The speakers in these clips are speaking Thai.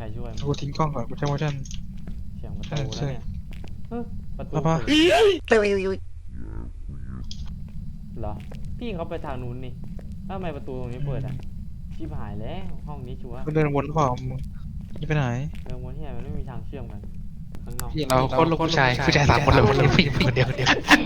รช่วยมึงกูทิ้งกล้องก่อนกูใช้ motion เสียงประตูแล้วเนี่ยเฮ้ยประตูป้าเปิดเหรอพี่เขาไปทางนู้นนี่แล้วทำไมประตูตรงนี้เปิดอ่ะชิบหายแล้วห้องนี้ชัวร์กูเดินวนหรือเปล่ามึงนี่ไปไหนเรื่องวนที่ไหนมันไม่มีทางเชื่อมกันข้างนอกพี่เราโคตรลูกผู้ชาย3 คนเลยคนนี้ผู้หญิงคนเดียว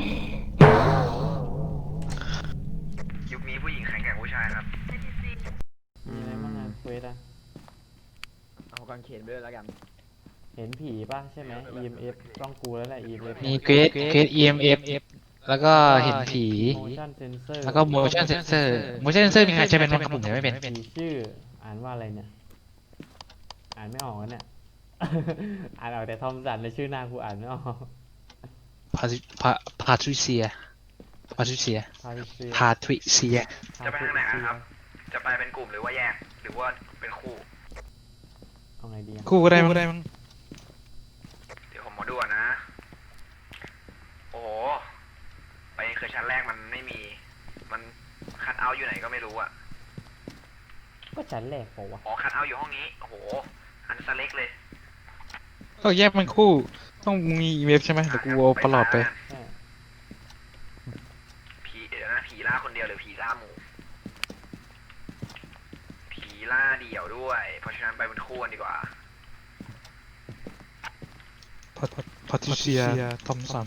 ยุคนี้ผู้หญิงแข็งแกร่งผู้ชายครับมีอะไรบ้างอะเควสอะเอากางเขนไปด้วยแล้วกันเห็นผีป่ะใช่ไหม EMF ต้องกูแล้วแหละ EMF มีเกรด EMF แล้วก็เห็นผี motion sensor แล้วก็ motion sensor motion sensor มีใครใช้เป็นบ้างครับผมยังไม่เป็นผีชื่ออ่านว่าอะไรเนี่ยอ่านไม่ออกแล้วเนี่ย อ่านออกแต่ทอมสันในชื่อหน้ากูอ่านไม่ออก Patricia พาริเซีย Patricia จะไปทางไหนนะครับ จะไปเป็นกลุ่มหรือว่าแยก หรือว่าเป็นคู่เอาไงดีอะคู่ก็ได้มั้งเดี๋ยวผมมาดูก่อนนะ โอ้โห ไปเคยชั้นแรกมันไม่มี มันคัทเอาท์อยู่ไหนก็ไม่รู้อะก็ชั้นแรกเปล่าวะอ๋อคัทเอาท์อยู่ห้องนี้ โอ้โห อันสเล็กเลยก็แยกมันคู่ต้องมี EMF ใช่ไหมเดี๋ยวกูเอาประหลอดไปใช่ผีเดี๋ยวนะผีล่าคนเดียวหรือผีล่าหมู่ ผีล่าเดี่ยวด้วย เพราะฉะนั้นไปเป็นคู่กันดีกว่า Patricia Thompson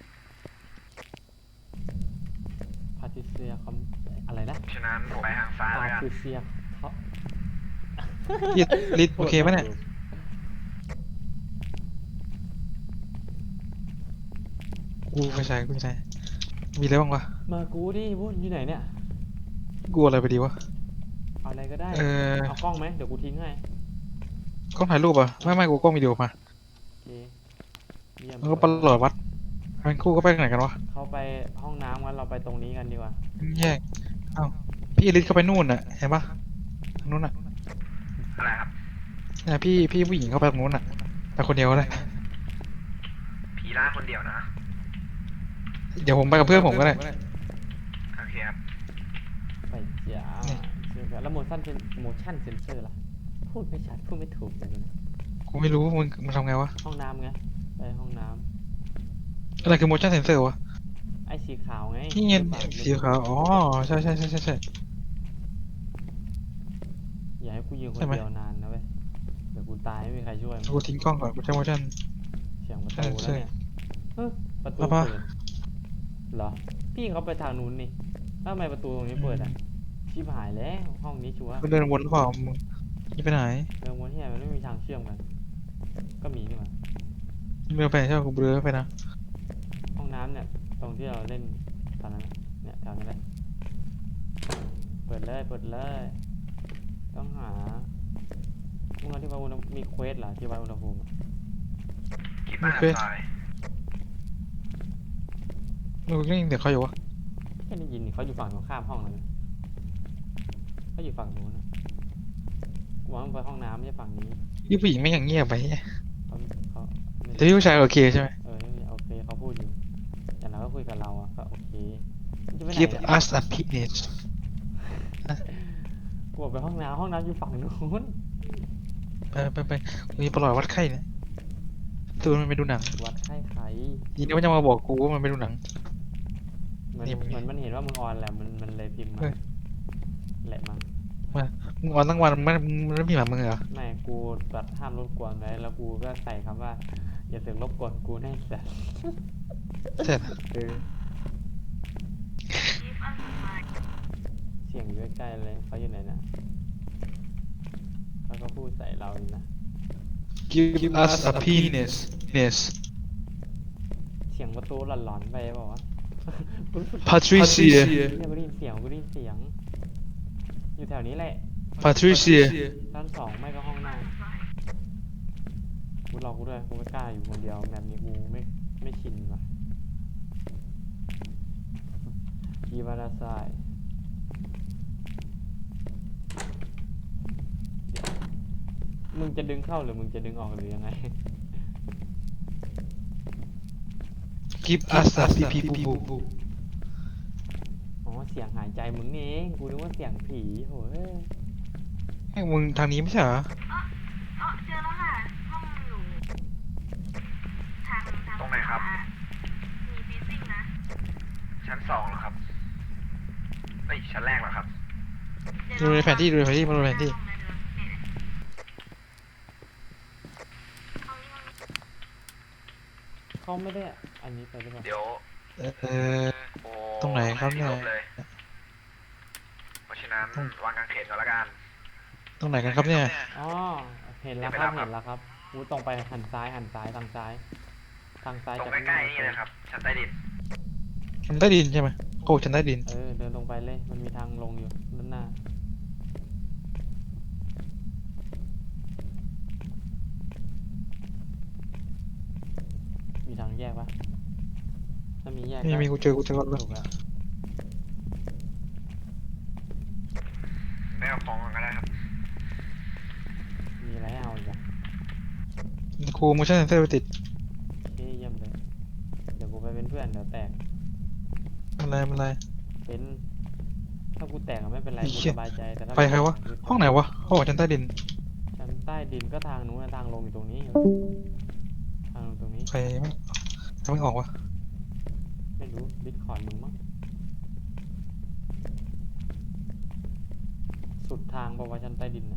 พาริเซียคอมอะไรนะเพราะฉะนั้นผมไปทางซ้ายพาแล้วกันริเซียเขาลิดโอเคไหมเนี่ยกูไม่ใช่มีอะไรบ้างวะมากูดิวุ้นอยู่ไหนเนี่ยกูอะไรไปดีวะเอาอะไรก็ได้ เอากล้องไหมเดี๋ยวกูทิ้งให้กล้องถ่ายรูปอ่ะไม่กูกล้องวิดีโอมาโอเคเยี่ยมแล้วก็ประหลอดวัดเป็นคู่ก็ไปไหนกันวะเข้าไปห้องน้ำงั้นเราไปตรงนี้กันดีกว่าแยกเอ้าพี่อลิสเข้าไปนู่นน่ะเห็นปะทางนู้นน่ะอะไรครับเนี่ยพี่ผู้หญิงเข้าไปตรงนู้นน่ะไปคนเดียวก็ได้ผีล่าคนเดียวนะเดี๋ยวผมไปกับเพื่อนผมก็ได้โอเคครับไปจ้านี่เชื่อกันแล้ว motion sensor ล่ะพูดไม่ชัดพูดไม่ถูกเลยนะกูไม่รู้มึงทำไงวะห้องน้ำไงไปห้องน้ำอะไรคือ motion sensor วะไอ้สีขาวไงที่เงินปากสีขาวอ๋อใช่อย่าให้กูยืนคใช่นไหมเดียวนานนะเว้ยเดี๋ยวกูตายไม่มีใครช่วยมึงกูทิ้งกล้องก่อนกูใช้ motion เสียงประตูแล้วเนี่ยเฮ้ยประตูป้าเปิดเหรอพี่เขาไปทางนู้นนี่แล้วทำไมประตูตรงนี้เปิดอ่ะชิบหายแล้วห้องนี้ชัวร์กูเดินวนหรือเปล่ามึงนี่ไปไหนเรื่องวนที่ไหนมันไม่มีทางเชื่อมกันก็มีนี่หว่ามึงเดินไปไหนใช่ปะกูเดินไปนะห้องน้ำเนี่ยตรงที่เราเล่นตอนนั้นน่ะเนี่ยแถวนี้แหละเปิดเลยต้องหามึงเอาที่วัดอุณหภูมิมีเควสเหรอที่วัดอุณหภูมิอะคิดว่าหันซ้ายมึงก็ยังเดี๋ยวเขาอยู่วะแค่ได้ยินนี่เขาอยู่ฝั่งตรงข้ามห้องเลยเขาอยู่ฝั่งนู้นนะกูว่ามันไปห้องน้ำไม่ใช่ฝั่งนี้พี่ผู้หญิงไม่อย่างเงียบไปเขาไม่แต่พี่ผู้ชายโอเคใช่ไหมไม่มีโอเคเขาพูดอยู่แต่เราก็คุยกับเราอะก็โอเคมึงจะไปไหน Give เนี่ย us a penis กูบอกไปห้องน้ำอยู่ฝั่งนู้นไปมีประหลอดวัดไข้เนี่ยตัวมันไปดูหนังวัดไข้ไข่ทีนี้มันจะมาบอกกูว่ามันไปดูหนังเหมือนนี่มึงเหมือนมันเห็นว่ามึงออนแหละมันเลยพิมพ์มาเฮ้ยแหละมั้งมึงออนทั้งวันมันไม่มีหมามึงเหรอไม่กูตัดห้ามรบกวนไว้แล้วกูก็ใส่คำว่าอย่าเสือกรบกวนกูแน่แต่เสร็จเสียงอยู่ใกล้ๆเลยเขาอยู่ไหนนะเขาก็พูดใส่เราอยู่นะ Give us a penis Yes เสียงประตูหลอนๆไปบอกว่าวะ Patricia เนี่ยกูได้ยินเสียงอยู่แถวนี้แหละ Patricia ชั้นสองไม่ก็ห้องนั่งกูรอกูด้วยกูไม่กล้าอยู่คนเดียวแบบนี้กูไม่ชินว่ะกีบาราไซมึงจะดึงเข้าหรือมึงจะดึงออกหรือยังไง Give us a pee pee poo poo อ๋อเสียงหายใจมึงนี่เองกูนึกว่าเสียงผีโหยมึงทางนี้ไม่ใช่เหรอเจอแล้ว 2เหรอครับเอ้ยชั้นแรกเหรอครับดูในแผนที่ดูในแผนที่มาดูแผนที่เขาไม่ได้อันนี้ไปหรือเปล่าเดี๋ยวเออโอ้ตรงไหนครับเนี่ยลบเลย เพราะฉะนั้นวางกางเขนก่อนละกันตรงไหนกันครับเนี่ยอ๋อเห็นแล้วเดี๋คยวไปรับรับเห็นแล้วครับอู้ตรงไปหันซ้ายทางซ้ายทางซ้ายตรงจากใกล้ๆนี่เลยครับ ชั้นใต้ดินชั้นใต้ดินใช่ไหมโอ้ชั้นใต้ดินเดินตรงไปเลยมันมีทางลงอยู่ด้านหน้ามีทางแยกปะถ้ามีแยกมีกูเจอก่อนเลยถูกแล้วไม่เอาของก่อนก็ได้ครับมีอะไรให้เอาอีกอะครู motion sensor ไปติดโอเคเยี่ยมเลยเดี๋ยวกูไปเป็นเพื่อนเดี๋ยวแตกอะไรเป็นถ้ากูแตกอะไม่เป็นไรไอ้กูเหี้ยสบายใจแต่ถ้าไปใครวะ ห้องไหนวะห้องชั้นใต้ดินชั้นใต้ดินก็ทางนู้นนะทางลงอยู่ตรงนี้ทางลงตรงนี้ใครไม่ออกวะไม่รู้ดิสคอร์ดมึงมั้งสุดทางบอกว่าชั้นใต้ดินนะ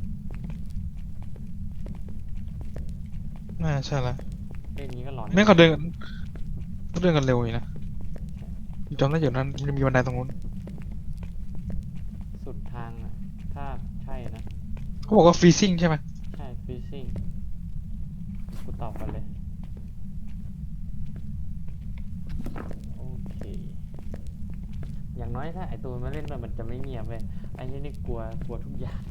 น่าใช่ละเล่นนี้ก็หลอนแม่งเขาเดินกันเร็วอยู่นะจำได้อยู่นั้นมันมีบันไดตรงนู้นสุดทางอ่ะถ้าใช่นะเขาบอกว่า freezing ใช่ไหมใช่ฟิซซิ่งกูตอบกันเลยโอเคอย่างน้อยถ้าไอตัวมาเล่นด้วยมันจะไม่เงียบเลยไอ้นี่กลัวทุกอย่าง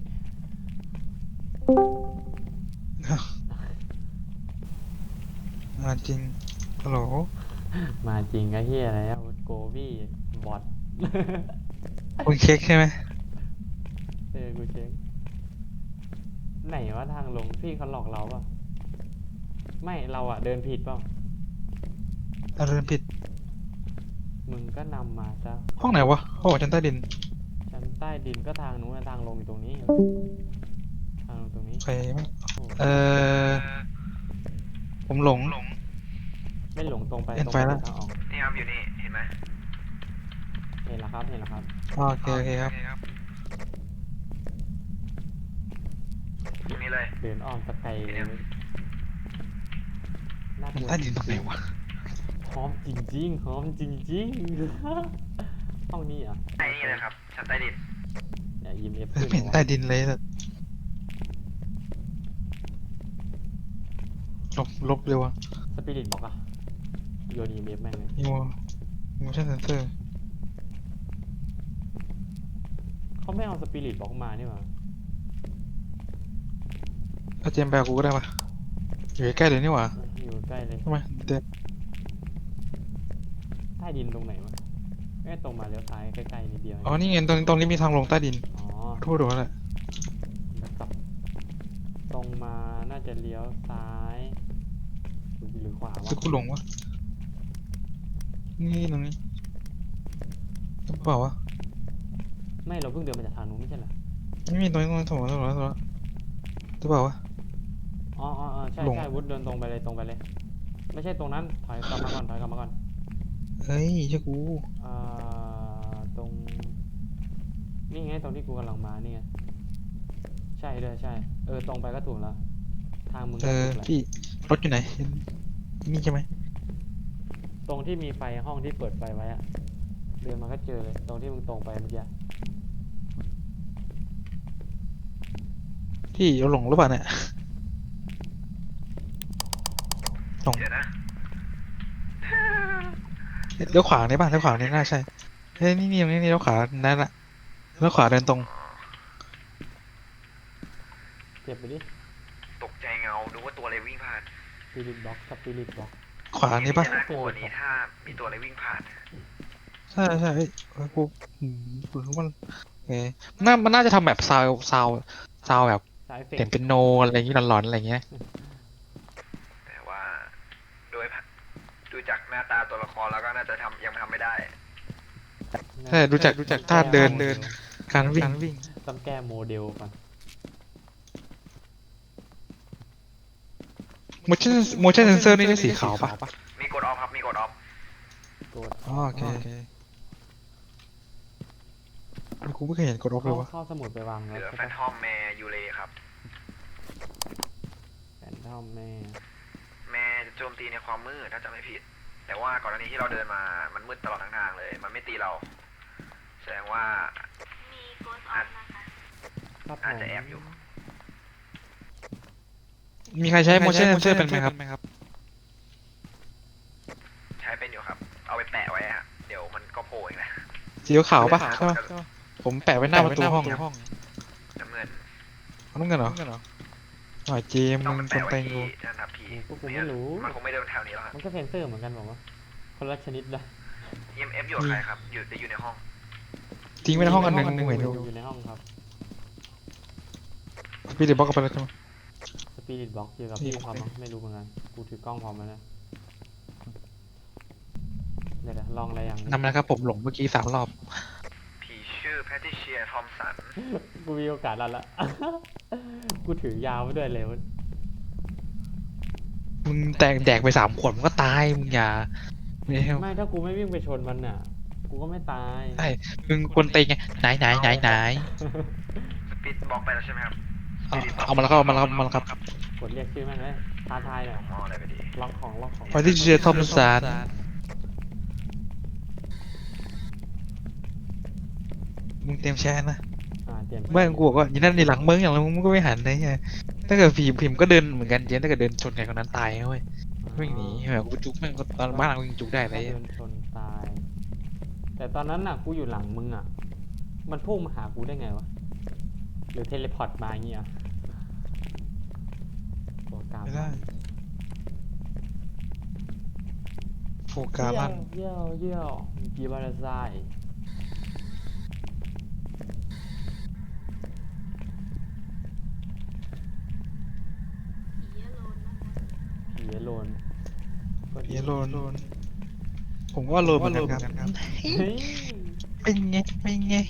มาจริงฮัลโหลมาจริงไอ้เหี้ยอะไรอะโกบี้บอทคุณเช็คใช่ไหมกูเช็คไหนว่าทางลงพี่เขาหลอกเราป่ะไม่เราอะเดินผิดเปล่าเดินผิดมึงก็นำมาซะห้องไหนวะห้องชั้นใต้ดินชั้นใต้ดินก็ทางนู้นนะทางลงอยู่ตรงนี้ทางลงตรงนี้ใครไม่โอ้ผมหลงไม่หลงตรงไปเห็นตรงไฟไปแล้วทางออกนี่ครับอยู่นี่ เห็นไหมเห็นแล้วครับเห็นแล้วครับโอเคครับตรงนี้เลยเดินอ้อมตะไคร้เนี่ยน่ากลัวใต้ดินตรงไหนวะหอมจริงๆหอมจริงๆ ห้องนี้เหรอ่ะไอ้นี่เลยครับ ชั้นใต้ดินอย่ายิ้มเอฟไม่ขึ้นเห็นใต้ดินเลยสัสลบเร็วอะสปิริตบอกอ่ะโยนอีเอฟแม่งเลยมีmotion sensor เขาไม่เอาสปิริตบอกมานี่หว่าเอาเจมส์แบกกูก็ได้ปะอยู่ใกล้ๆเลยนี่หว่าอยู่ใกล้เลยทำไมเด็กใต้ดินตรงไหนวะตรงมาเลี้ยวซ้ายใกล้ๆนิดเดียวอ๋อนี่ไงตรงนี้มีทางลงใต้ดินอ๋อทั่วดูแล้วแหละแล้วกลับตรงมาน่าจะเลี้ยวซ้ายหรือขวาวะซึ่งกูหลงวะนี่ตรงนี้หรือเปล่าวะไม่เราเพิ่งเดินมาจากทางนู้นไม่ใช่เหรอไม่มีตรงนี้ถูกแล้วหรือเปล่าวะอ๋อใช่หลงใช่วุฒเดินตรงไปเลยตรงไปเลย ไม่ใช่ตรงนั้นถอยกลับมาก่อนถอยกลับมาก่อนเฮ้ยเจ้ากูตรงนี่ไงตรงที่กูกำลังมานี่ไงใช่ด้วยใช่ตรงไปก็ถูกแล้วทางมึงก็ถูกแล้วพี่รถอยู่ไหนนี่ใช่ไหมตรงที่มีไฟห้องที่เปิดไฟไว้อะเดินมาก็เจอเลยตรงที่มึงตรงไปเมื่อกี้พี่เราหลงหรือเปล่าเนี่ยหลงเดี๋ยวนะเลี้ยวขวานี่ป่ะเลี้ยวขวานี่น่าใช่เฮ้ยนี่ตรงนี้เลี้ยวขวานั่นแหละเลี้ยวขวาเดินตรงเก็บไปดิตกใจเงา ดูว่าตัวอะไรวิ่งผ่านสปิริตบ็อกสปิริตบ็อกขวานี่ป่ะจะน่ากลัวกว่านี้ถ้ามีตัวอะไรวิ่งผ่านใช่เฮ้ยกูรู้มันเอ๊ะมันน่าจะทำแบบซาวแบบสายเฟเสียกงเป็นโนอะไรอย่างงี้หลอนๆอะไรอย่างเงี้ยแต่ว่าดูจากหน้าตาตัวละครแล้วก็น่าจะยังทำไม่ได้ใช่รู้จักท่าเดินการวิ่งต้องแก้โมเดลก่อน motion sensor นี่ได้สีขาวป่ะมีกดออฟครับ มีกดออฟกดอ๋อโอเคกูไม่เคยเห็นกดออฟเลยวะเข้าสมุดไปวางเหแล้วลือใช่แฟนปะทอมแมร์ยูเลครับแฟนทอมแม่แมร์จะโจมตีในความมืดถ้าจำไม่ผิด แต่ว่าก่อนหน้านี้ที่เราเดินมามันมืดตลอดทั้งทางเลย มันไม่ตีเรา แสดงว่ามีโกสออฟนะคะครับผอาจมจะแอบอยู่มีใครใช้ motion sensor เป็นไหมครับใช้เป็นอยู่ครับ เอาไปแปะไว้ฮะเดี๋ยวมันก็โผล่เองนะสีขาวปะใช่ปะผมแปะไว้หน้าประตูห้องน้ำเงินเอาน้ำเงินเหรอหน่อยเจมต้องมึมังนคนแปะไว้เต็งที่กูนั่นครับพี่พวกกูไม่รู้มันคงไม่เดินแถวนี้แล้วครับมันก็เซนเซอร์เหมือนกันบอกว่าคนละชนิดนะ EMF อยู่กับใครครับ อยู่ในห้องทิ้งไว้ในห้องอันหนึ่งมึงเห็นดูอยู่ในห้องครับสปีดบล็อกกันไปแล้วใช่ไหมสปิริตบ็อกอยู่กับพี่พร้อมมั้งไม่รู้เหมือนกันกูถือกล้องพร้อมแล้วนะเดี๋ยวลองอะไรอย่างนี้นำนะครับผมหลงเมื่อกี้3 รอบผีชื่อแพทริเชียทอมสันกูมีโอกาสแล้วละ กูถือยาวมาด้วยเลยมึงแดกไป3 ขวดมึงก็ตายมึงอย่าไม่ใช่ไม่ถ้ากูไม่วิ่งไปชนมันน่ะ กูก็ไม่ตายใช่มึงคนเต็งไงไหนสปิดบล็อกไปแล้วใช่ไหมครับเอามาแล้วครับกดเรียกชื่อแม่งเลยท้าทายหน่อยอ๋อได้ไปดีล็อกของพอที่เชียร์ทอมสันมึงเตรียมแชร์นะเตรียมเมื่อกูบอกว่าอย่างนั้นในหลังมึงอย่างไรมึงก็ไม่หันนะเนี่ยถ้าเกิดพิมพ์ก็เดินเหมือนกันเจนถ้าเกิดเดินชนใครคนนั้นตายนะเว้ยวิ่งหนีแบบกูจุกแม่งก็ตอนบ้านเรายิงจุกได้เลยเดินชนตาย แต่ตอนนั้นน่ะกูอยู่หลังมึงอ่ะ มันพุ่งมาหากูได้ไงวะ หรือเทเลพอร์ตมาอย่างเงี้ยตัวกลางไม่ได้โฟกัสลั่นเยี่ยวกีบาราไซผีอโลนนะคะผีโลนเยโลนผมว่าโลนเหมือนกันครับเฮ้ยเป็นไง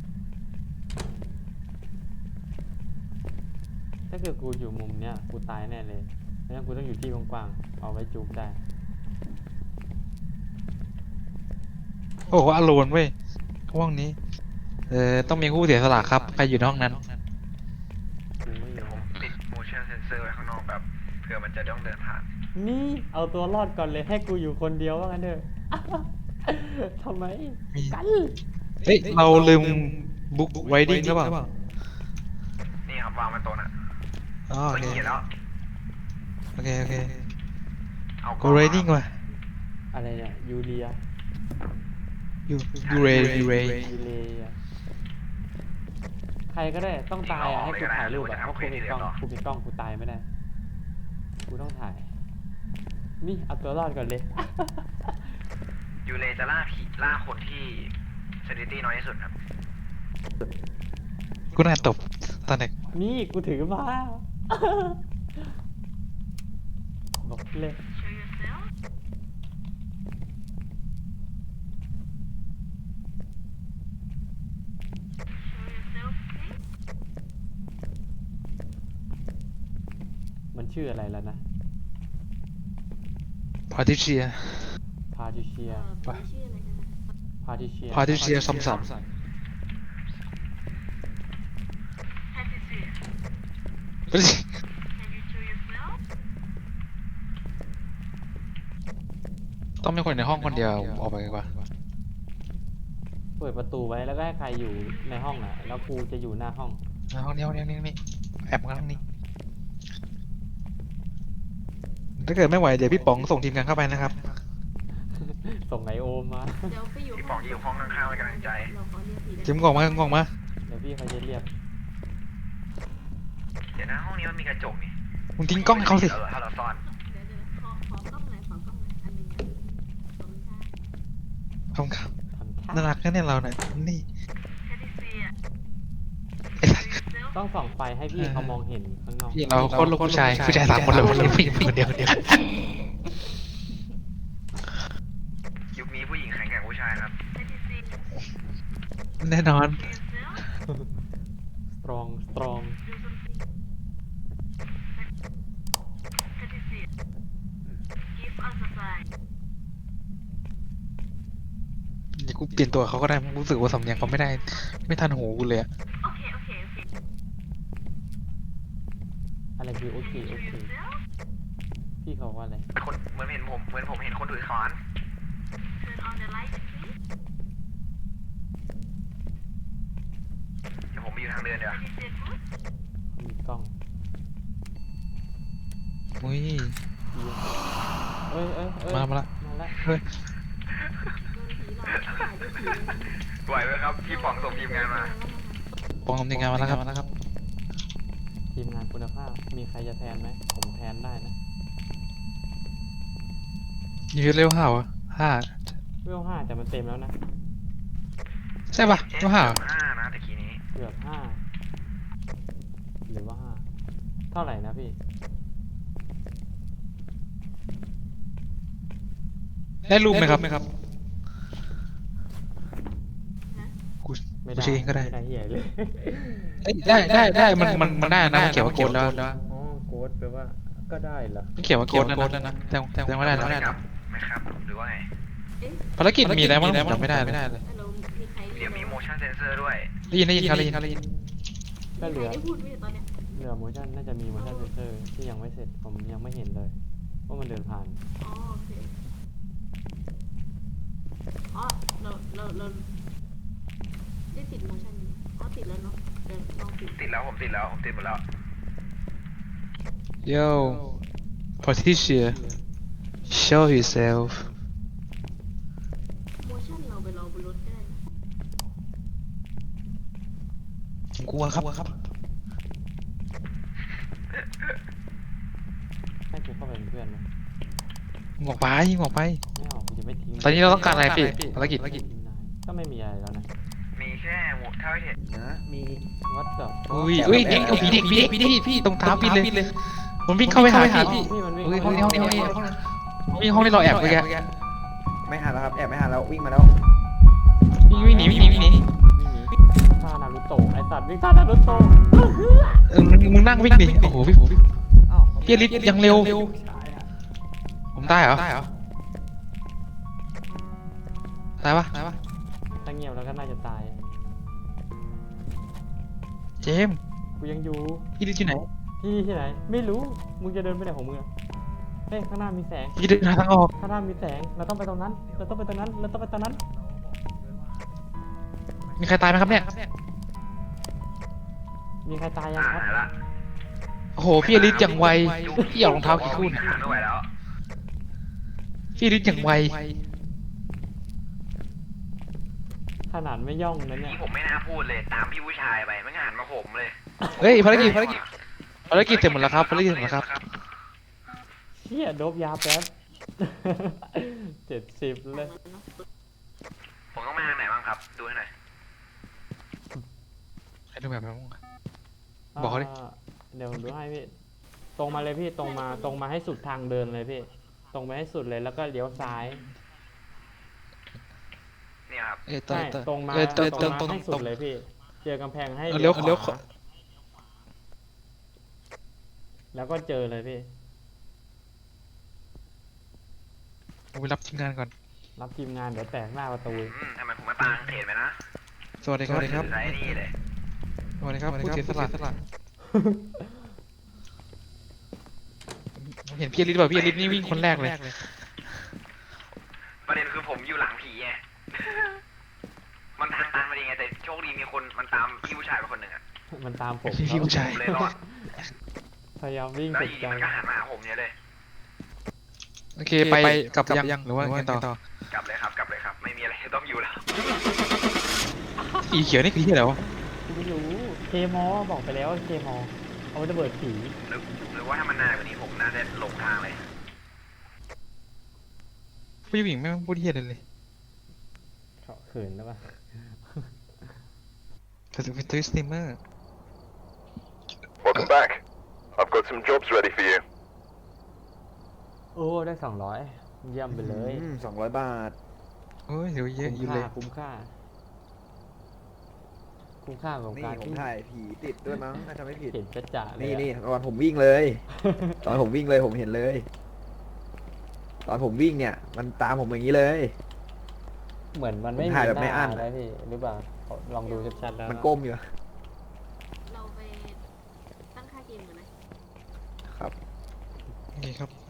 ถ้าเกิดกูอยู่มุมเนี้ยกูตายแน่เลยงั้นกูต้องอยู่ที่กว้างๆเอาไว้จุกได้โอ้โหอโลนเว้ยห้องนี้ต้องมีผู้เสียสละครับใครอยู่ในห้องนั้นกูไม่อยู่ติด motion sensor ไว้ข้างนอกแบบเผื่อมันจะต้องเดินผ่านนี่เอาตัวรอดก่อนเลยให้กูอยู่คนเดียวว่างั้นเถอะ ทำไมมีกันเฮ้ยเราลืมบุ๊กไวดิ้งหรือเปล่านี่ครับวางไว้โต๊ะน่ะอ๋อโอก็เคเขียนแล้วโอเคเอา go riding ว่ะอะไรเนี่ยยูเรียยูเรยูเรียใครก็ได้ต้องตายอ่ะให้กูถ่ายรูปอ่ะเพราะกูมีกล้องกูตายไม่ได้กูต้องถ่าย นี่เอาตัวรอดก่อนเลยยูเลจะล่าคนที่สถิติน้อยที่สุดครับกูน่าตบตอนเด็กนี่กูถือมา บอกเลย Show yourself Show yourself please มันชื่ออะไรแล้วนะพาทิเชียพาทิเชียผีชื่ออะไรนะพาทิเชียพาทิเชียซ้ำ Patricia ๆเฮ้ย Can you show yourself ต้องมีคนในห้องคนเดียวออกไปดีกว่าเปิดประตูไว้แล้วก็ให้ใครอยู่ในห้องอ่ะ แล้วกูจะอยู่หน้าห้องห้องนี้แอบมาห้องนี้ถ้าเกิดไม่ไหวเดี๋ยวพี่ป๋องส่งทีมงานเข้าไปนะครับส่งไอโอมมาเดี๋ยวไปอยู่พี่ป๋องอยู่ห้องข้างๆให้กำลังใจเราขอเรียกผีได้ทีมกล่องมาเดี๋ยวพี่เขาจะเรียกเดี๋ยวนะห้องนี้มันมีกระจกนี่มึงทิ้งกล้องให้เขาสิถ้าเราซ่อนเดี๋ยวขอกล้องหน่อยอันหนึ่งอะขอบคุณค่ะขอบคุณครับทำท่าน่ารักนะเนี่ยเราเนี่ยนี่ Patricia ไอ้สัส Show yourself ต้องส่องไฟให้พี่เขามองเห็นข้างนอกพี่เราโคตรลูกผู้ชาย3 คนเลยผู้หญิงคนเดียวยุคนี้ผู้หญิงแข็งแกร่งกว่าผู้ชายครับ Patricia แน่นอน Show yourself สตรอง Do something Patricia Give us a sign กูเปลี่ยนตัวเขาก็ได้รู้สึกว่าสำเนียงเขาไม่ได้ ไม่ทันหูกูเลยอะโอเคโอเคโอเคอะไรคือโอเคโอเคพี่เขาว่าอะไรคนเหมือนผมเห็นคนถือค้อน turn on the light please เดี๋ยวผมไปอยู่ทางเดินเดี๋ยวา is it good มีกล้องอุ้ยเอ้ยเอ้ยเอ้ยมาละมาละเฮ้ยโดนผีหลอกถ่ายด้วยผีไหวไหมครับพี่ป๋องส่งทีมงานมาปองทำยังไงมาแล้วครับทีมงานคุณภาพมีใครจะแทนไหมผมแทนได้นะยืดเร็วห่าวอะห้าเวล5แต่มันเต็มแล้วนะใช่ปะเร็วห่าว 5นะตะกี้นี้เกือบ5หรือว่า5เท่าไหร่นะพี่ได้รูปไหมครับกูไม่กูได้เช็คเองก็ได้ไม่ได้เหี้ยเลยเอ้ยได้มันได้นะมันเขียนว่าโกดแล้วอ๋อโค้ดแปลว่าก็ได้เหรอมันเขียนว่าโกดแล้วนะแต่ว่าได้แล้วไม่ครับไม่ครับหรือว่าไงภารกิจมีอะไรบ้างจำไม่ได้เลยฮัลโหลมีใครเดี๋ยวมี motion sensor ด้วยได้ยินครับก็เหลือได้พูดไหมตอนเนี้ยเหลือ motion น่าจะมี motion sensor ที่ยังไม่เสร็จผมยังไม่เห็นเลยว่ามันเดินผ่านอ๋อโอเคอ๋อเราได้ติด motion อยู่อ๋อติดแล้วเนาะเดี๋ยวลองติดติดแล้วผมติดหมดแล้ว Yo Patricia show yourself motion เราไปรอบนรถก็ได้นะกลัวครับให้กูเข้าไปเป็นเพื่อนไหมออกไปไม่ออกไม่เอากูจะไม่ทิ้งตอนนี้เราต้องการอะไรพี่ภารกิจทิ้งนายก็ไม่มีอะไรแล้วนะมีแค่หมวกเท่าที่เห็นนะมีวัดกับอุ้ยผีเด็กพี่ตรงเท้าพี่เลยผมวิ่งเข้าไปหาพี่พี่มันวิ่งเฮ้ยเข้าห้องไปนี้วิ่งห้องที่เราแอบเมื่อกี้ไม่หันแล้วครับแอบไม่หันแล้ววิ่งมาแล้ววิ่งหนีวิ่งหนีท่านารุโตะไอสัตว์วิ่งท่านารุโตะมึงนั่งวิ่งดิโอ้โหพี่อ้าวพี่อลิสยังเร็วผมตายเหรอตายปะถ้าเงียบแล้วก็น่าจะตายเจมส์กูยังอยู่พี่อลิสอยู่ไหนที่ไหนไม่รู้มึงจะเดินไปไหนของมึงอะเฮ้ยข้างหน้ามีแสงพี่เดินหาทางออกข้างหน้ามีแสงเราต้องไปตรงนั้นเราต้องไปตรงนั้นเราต้องไปตรงนั้นมีใครตายไหมครับเนี่ยมีใครตายยังครับหายละโอ้โหพี่อลิสอย่างไวพี่เอารองเท้ากี่คู่เนี่ยไม่ไหวแล้วพี่อลิสอย่างไวขนาดไม่ย่องนะเนี่ยนี่ผมไม่น่าพูดเลยตามพี่ผู้ชายไปไม่งานมาผมเลยเฮ้ยภารกิจเสร็จหมดแล้วครับภารกิจเสร็จหมดแล้วครับเชี่ยโดบยาแป๊บ 70เลยผมต้องมาทางไหนบ้างครับ ดูให้หน่อยให้ดูแบบนั้นบอกเขาดิเดี๋ยวผมดูให้พี่ ตรงมาเลยพี่ตรงมาให้สุดทางเดินเลยพี่ ตรงไปให้สุดเลยแล้วก็เลี้ยวซ้ายเนี่ยครับใช่ตรงมาตรงตรงมาให้สุดเลยพี่ เจอกำแพงให้เลี้ยวขเลี้ยววาแล้วก็เจอเลยพี่ผมไปรับทีมงานก่อนรับทีมงานเดี๋ยวแตกหน้าประตูทำไมผมมาตางเขตไปนะสวัสดีครับถือไรนี่เลยสวัสดีครับผู้เสียสละผมเห็นพี่อลิสแบบพี่อลิสนี่วิ่งคนแรกเลยประเด็นคือผมอยู่หลังผีไง มันทางตันมาดีไงแต่โชคดีมีคนมันตามพี่ผู้ชายไปคนหนึ่งอะมันตามผมพี่ผู้ชายผมเลยรอดพยายามวิ่งแล้วสุอดยู่ใจดีมันก็หันมาหาผมเนี่ยเลยโอเคไปกลับยังหรือว่าไงต่อกลับเลยครับ ไม่มีอะไรต้องอยู่แล้วสีเขียวนี่คือที่อะไรวะกูไม่รู้เคมอบอกไปแล้วว่าเคมอเอาไว้ระเบิดผีหรือว่าถ้ามันนานกว่านี้ผมน่าจะหลงทางเลยผู้หญิงไม่พูดที่อะไรเลยเขาเขินแล้วปะแต่เป็นตัวสตรีมเมอร์ Welcome back. I've got some jobs ready for you. โอ้ได้200เยี่ยมไปเลย 200 บาทโอ้ยเดี๋ยวเยอะอยู่คุ้มเลยค่าคุ้มค่าของนี่การผมที่ถ่ายผีติดด้วยมั้งถ้าจำไม่ผิดเห็นจะจะเลยนี่อะตอนผมวิ่งเลย ตอนผมวิ่งเลยผมเห็นเลย ตอนผมวิ่งเนี่ย มันตามผมอย่างนี้เลยเหมือนมันไม่มีถ่ายแบบไม่หอั้นนะพี่หรือเปล่าลองดูชัดๆแล้วมันก้มอยู่อะเราไปตั้งค่าเกมกันไหมครับโอเคครับ